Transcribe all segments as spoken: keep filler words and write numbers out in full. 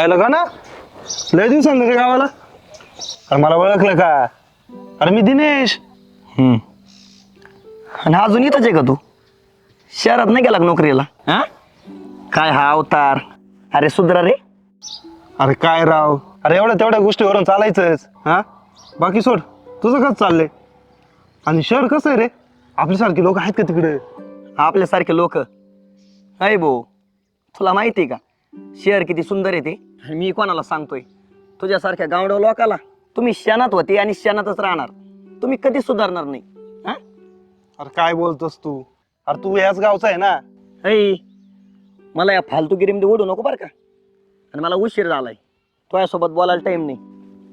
आयला का ना लय दिवसांनी रे गावाला. अरे मला ओळखलं का? अरे मी दिनेश. हम्म. आणि अजून इथंच आहे का तू? शहरात नाही गेला का नोकरीला? हा काय हा अवतार? अरे सुधरा रे. अरे काय राव, अरे एवढ्या तेवढ्या गोष्टीवरून चालायचंच. हा बाकी सोड, तुझं कसं चाललंय? आणि शहर कसं आहे रे? आपल्यासारखे लोक आहेत का तिकडे? आपल्यासारखे लोक अय भाऊ, तुला माहिती आहे का शहर किती सुंदर आहे ते? आणि मी कोणाला सांगतोय? तुझ्यासारख्या गावड्या लोकाला. तुम्ही शनात होते आणि शनातच राहणार. तुम्ही कधी सुधारणार नाही. हा अरे काय बोलतोस तू? अरे तू याच गावचा आहे ना? ऐ मला या फालतूगिरीमध्ये ओढू नको बरं का. आणि मला उशीर झालाय, तुझ्यासोबत बोलायला टाइम नाही.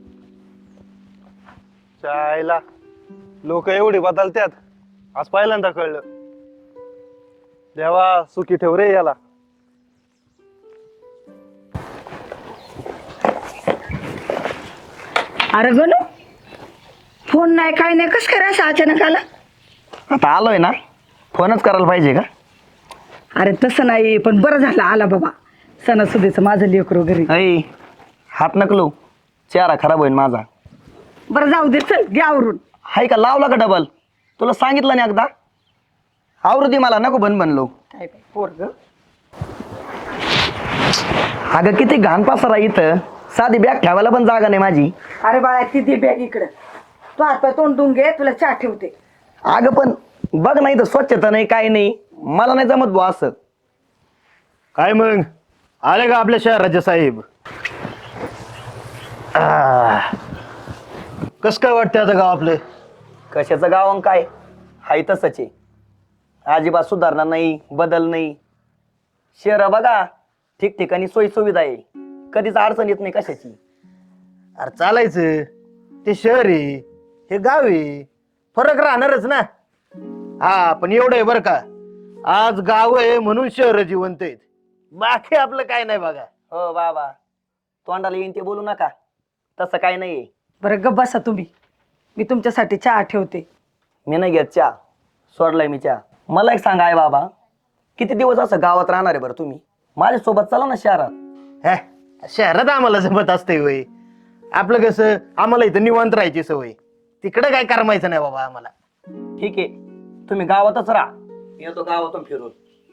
चायला लोक एवढी बदलतात, आज पहिल्यांदा कळलं. देवा सुखी ठेव रे याला. अरे गणू, फोन नाही काय नाही, कस काय असं अचानक आला? आता आलोय ना, फोनच करायला पाहिजे का? अरे तसं नाही, पण बरं झालं आला बाबा. सणासुदीचं माझं लेकरू घरी. ऐ हात नकलो, चेहरा खराब होईल माझा. बरं जाऊ दे, चल घे आवरून. हाय का लावला का डबल? तुला सांगितलं नाही एकदा? आवृत्ती मला नको बन बनलो. काय काय पोरग. अगं किती घाण पसारा इथं, साधी बॅग ठेवायला पण जागा नाही माझी. अरे बाळा, ती दे बॅग इकडं. तू हातपाय तोंडून घे, तुला चहा ठेवते. अगं पण बघ नाही तर स्वच्छता नाही काय नाही, मला नाही जमत बुवा असं. काय मग आले का आपल्या शहराचे साहेब? कस काय वाटतं आता गाव आपले? कशाचं गाव अन काय हाय तसंच आहे. अजिबात सुधारणा नाही, बदल नाही. शहर बघा ठिकठिकाणी सोयी सुविधा आहे, कधीच अडचण येत नाही कशाची. अरे चालायचं, ते शहर आहे हे गाव आहे, फरक राहणारच ना. हा पण एवढं आहे बरं का, आज गाव आहे म्हणून शहर जिवंत आहेत, बाकी आपलं काय नाही बघा. हो बाबा, तोंडाला येईन ते बोलू नका, तसं काय नाहीये. बरं गप बसा तुम्ही, मी तुमच्यासाठी चहा ठेवते. मी नाही घेत चहा, सोडलाय मी चहा. मला एक सांगा आहे बाबा, किती दिवस असं गावात राहणार आहे बरं तुम्ही? माझ्यासोबत चला ना शहरात. हे शहरात आम्हाला जमत असते वय, आपलं कसं आम्हाला इथं निवांत राहायची सवय, तिकडे काय करमायचं नाही बाबा आम्हाला. ठीक आहे, तुम्ही गावातच राहा, येतो गावातून फिरून.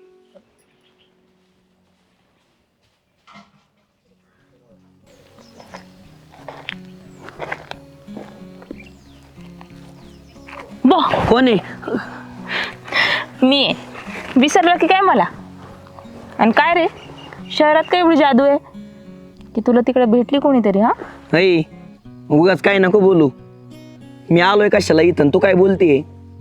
बो कोण आहे? मी आहे. विसरलं की काय मला? आणि काय रे, शहरात काय एवढी जादू आहे की तुला तिकडे भेटली कोणीतरी? हा नाही उगाच काय नको बोलू. मी आलोय कशाला इथं, तू काय बोलतेय?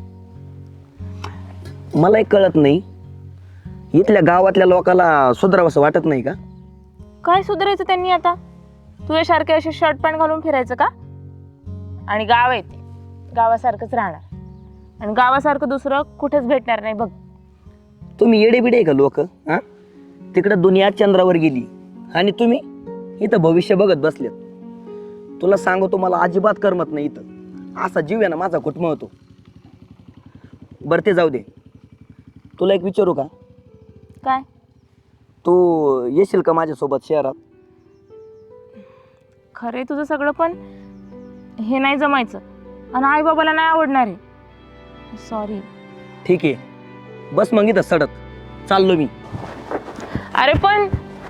मला एक कळत नाही, इथल्या गावातल्या लोकांना सुधारावंसं वाटत नाही का? काय सुधारायचं त्यांनी आता? तुझ्यासारखे असे शर्ट पॅन्ट घालून फिरायचं का? आणि गाव आहे ते गावासारखंच राहणार, आणि गावासारखं दुसरं कुठेच भेटणार नाही बघ. तुम्ही येडे बिडे का लोक? हा तिकडं दुनिया चंद्रावर गेली आणि तुम्ही इथं भविष्य बघत बसलेत. तुला सांगू, तुम्हाला अजिबात करमत नाही इथं. असा जीव आहे ना माझा घुटमळतो. बरं ते जाऊ दे, तुला एक विचारू का? काय? तू येशील का माझ्यासोबत शहरात? खरे तुझं सगळं, पण हे नाही जमायचं आणि आई बाबाला नाही आवडणार आहे. सॉरी. ठीक आहे, बस मग इथं सडत चाललो मी. अरे पण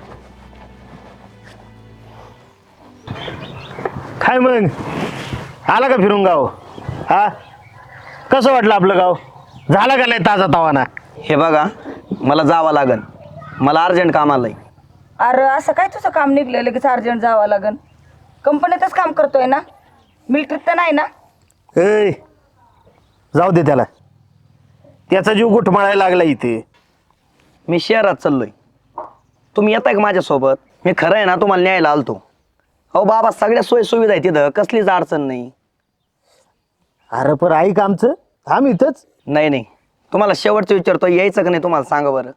काय मग आला का फिरून गाव? हा कसं वाटलं आपलं गाव? झालं का नाही ताजा तवाना? हे बघा, मला जावं लागन, मला अर्जंट काम आलंय. अरे असं काय तुझं काम निघलं लगेच अर्जंट जावं लागन? कंपनीतच काम करतोय ना, मिलिटरीत तर नाही ना? ए जाऊ दे त्याला, त्याचा जीव गुठमाळायला लागला इथे. मी शहरात चाललोय, तुम्ही येताय का माझ्यासोबत? मी खरं आहे ना तुम्हाला न्यायला आलतो. अहो बाबा, सगळ्या सोयी सुविधा आहे तिथं, कसलीच अडचण नाही. अरे पण ऐक आमचं, थांब इथंच. नाही नाही, तुम्हाला शेवटचं विचारतो, यायचं का नाही तुम्हाला सांगा बरं.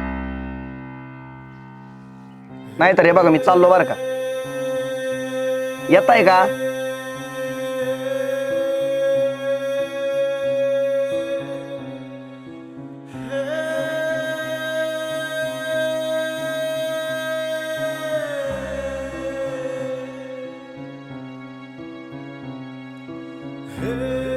नाही तर हे बघा मी चाललो बरं का, येताय का? Hey